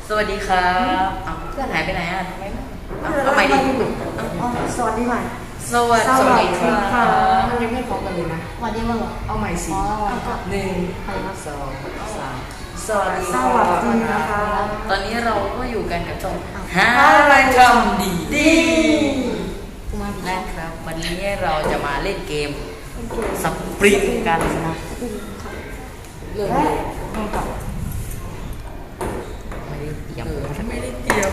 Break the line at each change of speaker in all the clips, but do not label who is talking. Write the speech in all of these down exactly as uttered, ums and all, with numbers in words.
สวัสดีครับเพื่อนหายไปไหนอ่ะไม่เอาใหม่ดิ
สวัสดีใหม่
สวัสดีค่ะ
มันยังไม่พร้อมกันเลยนะ
สวัสดีมั้งเหรอ
เอาใหม่สิหนึ่งสองสามสวัสดี
สวัสดีนะคะตอนนี้เราก็อยู่กันกับช่องหาอะไรทำดีดีนะครับวันนี้เราจะมาเล่นเกมสปริงกันนะ
เริ่มต้องกลับ
ไม่ได้เตรียม
ไม่ได้เตรียม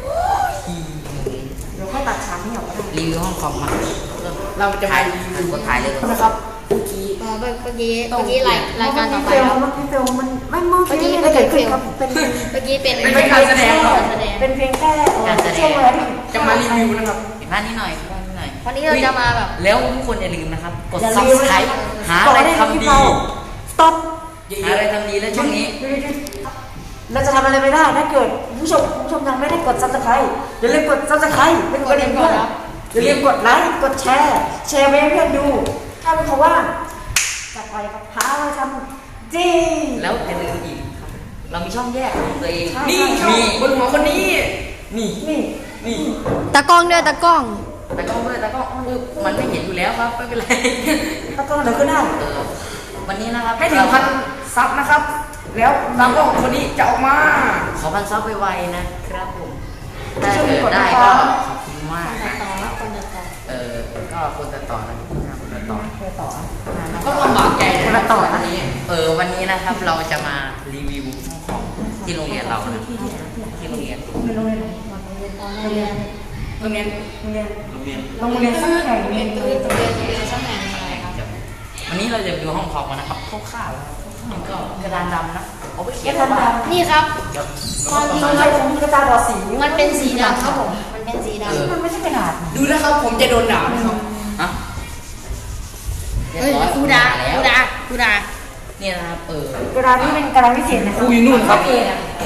เราก็ตัดฉากนี้ออกก็ได้
รีวิวห้องคอมมา
เราจะ
ถ่ายกดถ่ายเลย
นะครับเมื่อกี้
เมื่อกี้เมื่อกี้รายรายการต่อไปครับ
เมื่อกี้เฟลมันไม่เมื่อกี้ไม่เกิดขึ้นครับเป็น
เมื่อกี้เป็น
เป็นการแสดงเป็นเพียงแค่ช่วงเวลาที่จะมารีวิวนะครับ
บ้านนี้หน่อยบ้านนี้หน่อย
วันนี้เราจะมาแบบ
แล้วทุกคนอย่าลืมนะครับกด subscribe หาอะไรทำดี
stop
หาอะไรทำดีแล้วช่วงนี้
เราจะทำอะไรไม่ได้ถ้าเกิดผู้ชมผู้ชมยังไม่ได้กด subscribe อย่าลืมกด subscribe เป็นกดเองด้วยอย่าลืมกดไลค์กดแชร์แชร์ไปให้เพื่อนดูถ้าเป็นเพราะว่าจะไปกับหาอะไรทำดี
แล้วอย่าลืมอีกครับเรามีช่องแยกของตัวเอง
นี่มีบนหัวคนนี้
นี่
นี่
นี่
ตากล้องด้วยตากล้อง
ตากล้องด้วยตากล้องมันไม่เห็นอยู่แล้วครับไม่เป็นไร
ตากล้องเดี๋ยวขึ้นได้
วันนี้นะครับ
ให้ถึงพันซับนะครับแล้วตากล้องคนนี้จะออกมา
ขอพันซับไวๆนะครับผมถ้าเกิดได้ก็ขอบคุณมากเออก็คนจะต่อนะคนจะต่อคนต่อก็ลำบากใจคนจะต่อวันนี้เออวันนี้นะครับเราจะมารีวิวของที่โรงเรียนเรานะที่โรงเรียน
โรงเรียนโรงเรียนโรงเรียนโรงเรียนโรงเรียนโรงเรียนสักแห่งโรงเรียนโรงเรียนโรงเรียนสักแห่งอะไรครับ
วันนี้เราจะดูห้องคอมกันนะครับคร่าวๆก็กระดานดำนะเอาไปเขียน
นี่ครับ
ความจริงมันเป็นกระดาษดอสี
มันเป็นสีดำครับผมมันเป็นสีดำ
มันไม่ใช่กระดาษ
ดูนะครับผมจะโดนด่าไหมครับฮะ
เฮ้ยกูด่ากูด่ากูด่า
เนี่ยนะครับเอ
อกระดาษนี่เป็นกระดาษพิเศษนะ
ครูอยู่นู่นครับ
เย็น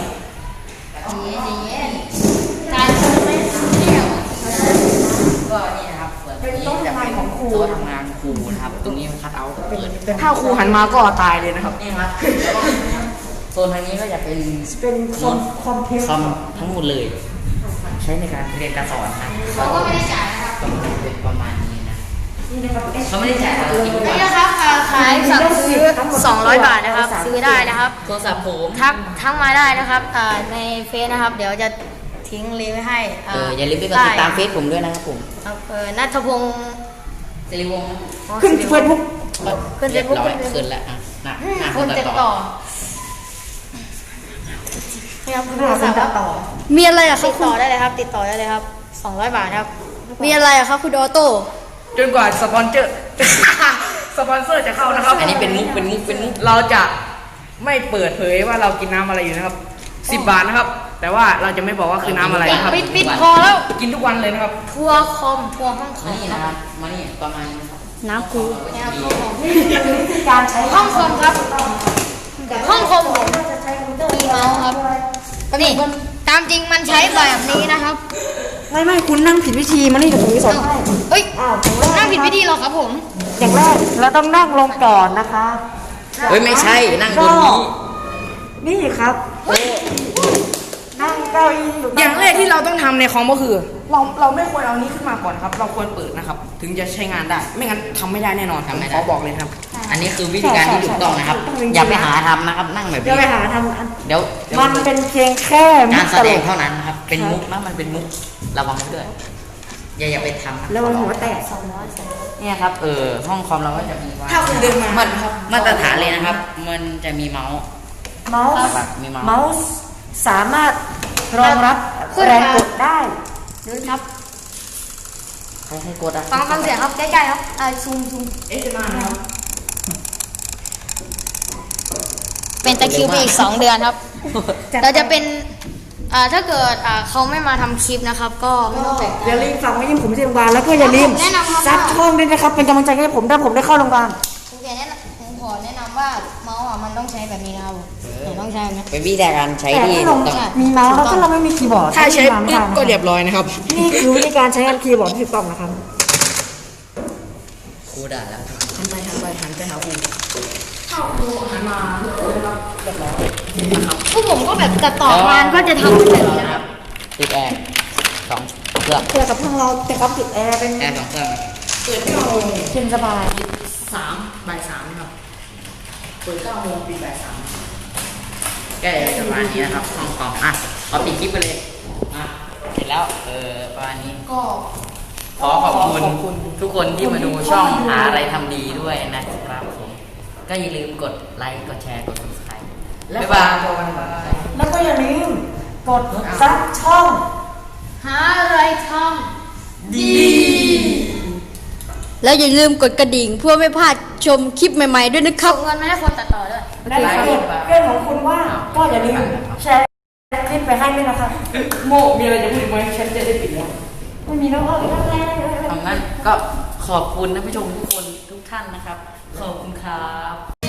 เย็นการไม่เที่ยว
ก็นี่นะครับ
เป็นโต๊ะทำงานของครู
โต๊ะทำงานครูนะครับตรงนี้มันคัดเอาเปิด
ถ้าครูหันมาก็ตายเลยนะครับ
นี่ครับโซนทางนี้ก็จะเป็น
เป็นคอมคอมพิวเตอร์
ทั้งหมดเลยใช้ในการเรียนการสอนนะ
เขาก็ไม่ได้จ่ายนะครับ
เป็นประมาณนี้นะเขาไม่ได้จ่ายเรา
กินนี่นะครับขายสั่งซื้อสองร้อยบาทนะครับซื้อได้นะครับ
โทรศัพท์ผม
ทักทักมาได้นะครับในเฟซนะครับเดี๋ยวจะทิ้งลิงก์ไว้ให้
เอออย่าลืมไปกดติดตามเฟซผมด้วยนะครับผม
เออนัทพงศ์
สิริวงศ์
ขึ้นเฟซบุ๊ก
ขึ้นเฟซบุ๊ก
ขึ้นแล้วอ่ะน่ะ
คนติดต่อครับคุณสาวต่อมีอะไรอะครับติดต่อได้เลยครับติดต่อได้เลยครับสองร้อยบาทครับมีอะไรอะครับคุณออโต้
จนกว่าสปอนเซอร์สปอนเซอร์จะเข้านะครับ
อันนี้เป็นมุกเป็นมุกเป็นมุก
เราจะไม่เปิดเผยว่าเรากินน้ำอะไรอยู่นะครับสิบบาทนะครับแต่ว่าเราจะไม่บอกว่าคือน้ำอะไรนะครับ
ปิดปิดพอแล้ว
กินทุกวันเลยนะครับ
ทัวคอมทัวห้องคอม
นี่นะครับมานี่ประมาณนี้ครับ
น้ำคู
นี่คือวิธีการใช้
ห้องคอมครับห้องคอมผมมีเมาส์ครับนี่ตามจริงมันใช้แบบนี้นะครับ
ไม่ไม่คุณนั่งผิดวิธีมานี่กับผมสอน
เฮ้ยนั่งผิดวิธีหรอครับผม
อย่างแรกเราต้องนั่งลงก่อนนะคะ
เฮ้ยไม่ใช่นั่งบนนี้
นี่ครับนั่งเก้าอี้อย่างแรกที่เราต้องทำในคอมก็คือเราเราไม่ควรเอานี้ขึ้นมาก่อนครับเราควรเปิดนะครับถึงจะใช้งานได้ไม่งั้นทำไม่ได้แน่นอนครับขอบอกเลยครับ
อันนี้คือวิธีการที่ถูกต้องนะครับอย่าไปหาทำนะครับนั่งแบบนี้
อย่าไปหาทำ
เดี๋ยว
มันเป็นเพียงแค่
การแสดงเท่านั้นนะครับเป็นมุกนะมันเป็นมุกระวังด้วยอย่าอย่าไปทำ
ระวังหัวแตก
เนี่ยครับเออห้องคอมเราก็จะมีว่า
ถ้าคุณเดินมา
มาตรฐานเลยนะครับมันจะมีเมาส์
เมาส์เมาส์สามารถรองรับแรงกดได้
ดูครับ
ใครให้กดอ่ะ
ฟังฟังเสียงครับใกล้ๆครับอ่าซูมซูม
เอ๊ะจะมาครับ
เป็นตะคิวไปอีกสองเดือนครับเราจะเป็นอ่าถ้าเกิดอ่าเขาไม่มาทำคลิปนะครับก็ไม่ต้องแปลก
อย่าลืมฝากไว้ที่ผมที่โรงพยาบาลแล้วก็อย่าลืมซับช่องด้วยนะครับเป็นกำลังใจให้ผมถ้าผมได้เข้าโรงพยาบาล
ผมแนะนำผมขอแนะนำว่าเมาส์อ่ะมันต้องใช้แบบนี้นะครับต้องใช้แบบนี้
เป็นวิธีการใช้ที่
มีเมาส์แล้วก็เราไม่มีคีย์บอร์ด
ถ้าใช้ปุ๊บก็เรียบร้อยนะครับ
นี่คือวิธีการใช้คีย์บอร์ดที่ถูกต้องนะครับ
ครูด่าแล้ว
หันไปหันไปหันไปหาครูเข้าครูหันมาเรียบร้อย
นะครับ
พวกผมก็แบบตัดต่องานก็จะทำเป็นแบบนี้นะครับ
ติดแอร์สองเครื่อง
เกี่ยวกับทางเราแต่ก็ติดแอร์เป็น
แอร์สองเครื่อง
เปิดเก้าโมงเย็นสบาย
สามบ่ายสามครับเปิดเก้าโมงปิดบ่ายสามแกจะประมาณนี้นะครับห้องคอมอ่ะเอาปิดคลิปไปเลยอ่ะเสร็จแล้วเออประมาณนี้
ก็
ขอขอบคุณทุกคนที่มาดูช่องหาอะไรทำดีด้วยนะครับผมก็อย่าลืมกดไลค์กดแชร์กด subscribe บ๊ายบาย
แล้วก็อย่าลืมกดซับช่อง
หาอะไรท
ดี
ำแล้วอย่าลืมกดกระดิ่งเพื่อไม่พลาดชมคลิปใหม่ๆด้วยนะครับส่งเงินมาให้คนตัดต่อด้วย
และถ้าเกิดเพื่อนของคุณว่าก็อย่าลืมแชร์คลิปไปให้ด้วยนะคะโมมีอะไรจะพูดไหมฉันจะได้ปิดแล้วไม่มีแล้วก็ไม่เป็นไร
ทำงั้นก็ขอบคุณท่านผู้ชมทุกคนทุกท่านนะครับ ขอบคุณครับ